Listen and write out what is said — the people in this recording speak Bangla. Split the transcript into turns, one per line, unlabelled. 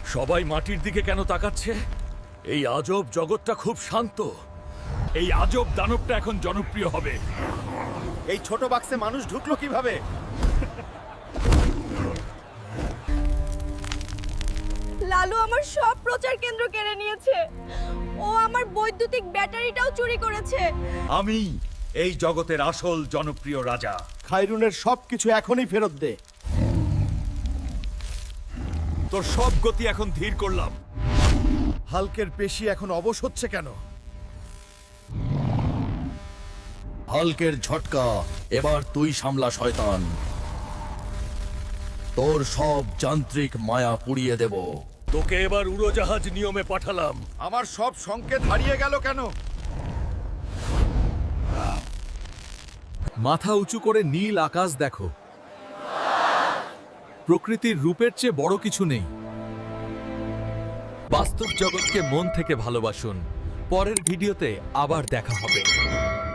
সবাই মাটির দিকে কেন তাকাচ্ছে? এই আজব জগৎটা খুব শান্ত। এই আজব দানবটা এখন জনপ্রিয় হবে।
এই ছোট বাক্সে মানুষ ঢুকলো কিভাবে?
লালু আমার সব প্রচার কেন্দ্র কেড়ে নিয়েছে। ও আমার বৈদ্যুতিক ব্যাটারিটাও চুরি করেছে।
আমি এই জগতের আসল জনপ্রিয় রাজা।
খায়রুনের সবকিছু এখনই ফেরত দে।
তোর সব গতি এখন ধীর করলাম।
হাল্কের পেশি এখন অবশ হচ্ছে কেন?
হাল্কের ঝটকা, এবার তুই সামলা শয়তান। তোর সব যান্ত্রিক মায়া পুড়িয়ে দেব।
তোকে এবার উড়োজাহাজ নিয়মে পাঠালাম।
আমার সব সংকেত হারিয়ে গেল কেন?
মাথা উঁচু করে নীল আকাশ দেখো। প্রকৃতির রূপের চেয়ে বড় কিছু নেই। বাস্তব জগৎকে মন থেকে ভালোবাসুন। পরের ভিডিওতে আবার দেখা হবে।